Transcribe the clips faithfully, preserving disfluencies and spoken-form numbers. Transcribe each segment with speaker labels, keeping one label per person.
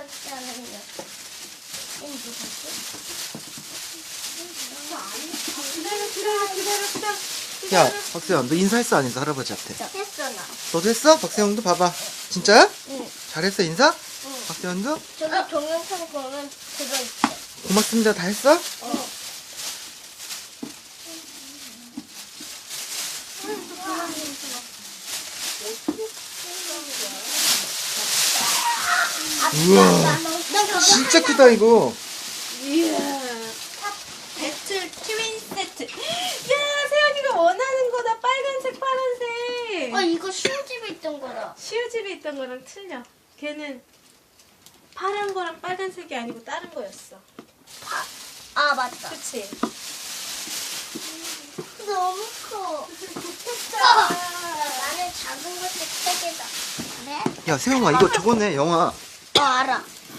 Speaker 1: 있었잖아요.
Speaker 2: 기다려 기다려 기다려 기다려.
Speaker 3: 야, 박세영, 너 인사했어, 안 했어? 할아버지한테.
Speaker 1: 했어 나.
Speaker 3: 너도 했어? 박세영도 봐봐. 진짜야?
Speaker 1: 응.
Speaker 3: 잘했어, 인사?
Speaker 1: 응.
Speaker 3: 박세영도?
Speaker 1: 저기 동영상 보면 들어있어.
Speaker 3: 고맙습니다, 다 했어?
Speaker 1: 어.
Speaker 3: 우와, 진짜 크다, 이거.
Speaker 2: 이야. 배틀 트윈 세트. 야, 세연이가 원하는 거다. 빨간색, 파란색.
Speaker 1: 아 이거 시우집에 있던 거다.
Speaker 2: 시우집에 있던 거랑 틀려. 걔는 파란 거랑 빨간색이 아니고 다른 거였어.
Speaker 1: 아 맞다.
Speaker 2: 그치?
Speaker 1: 너무 커. 나는 작은 것도 세 개다. 네?
Speaker 3: 야, 세영아, 이거 저거네, 영화.
Speaker 1: 어 알아.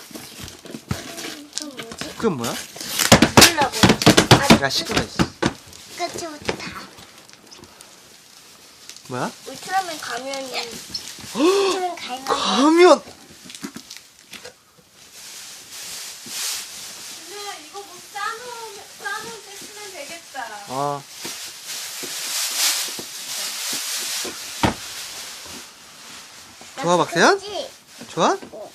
Speaker 1: 그럼 뭐지?
Speaker 3: 그건 뭐야?
Speaker 1: 몰라 뭐지?
Speaker 3: 야, 시끄러, 씨.
Speaker 1: 끝부터 다.
Speaker 3: 뭐야?
Speaker 1: 울트라맨 가면이. 울트라맨 가면.
Speaker 3: 가면!
Speaker 2: 준호야, 이거 뭐 싸놓으면, 싸놓을 때 쓰면 되겠다.
Speaker 3: 어. 좋아, 박세현?
Speaker 1: 그치?
Speaker 3: 좋아?
Speaker 1: 어.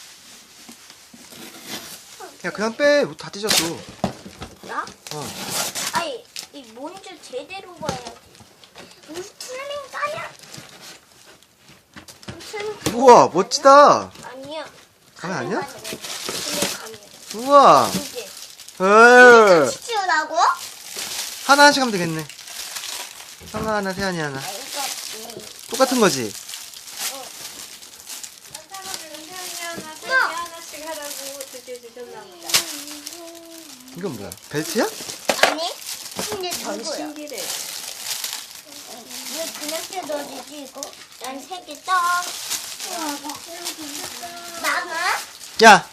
Speaker 3: 야, 그냥 빼. 다 찢었어.
Speaker 1: 나?
Speaker 3: 어.
Speaker 1: 아니 이 뭔지 제대로 봐야지. 울트라맨 가면. 울트라맨
Speaker 3: 우와, 멋지다.
Speaker 1: 아니야.
Speaker 3: 가면 아니야?
Speaker 1: 울트라맨 가면.
Speaker 3: 우와.
Speaker 1: 이게.
Speaker 3: 에
Speaker 1: 같이 치우라고?
Speaker 3: 하나씩 하면 되겠네. 성아 하나, 세연이 하나.
Speaker 1: 아 이거 음.
Speaker 3: 똑같은 거지?
Speaker 2: 세연이 하나, 세연이
Speaker 1: 야.
Speaker 2: 하나씩 하라고 드디어 주셨나 보다.
Speaker 3: 이건 뭐야? 벨트야?
Speaker 1: 아니? 근데 전신기.
Speaker 2: 전신기래.
Speaker 1: 왜 그냥 뜯어지지 이거? 난 세 개 딱. 나가?
Speaker 3: 야,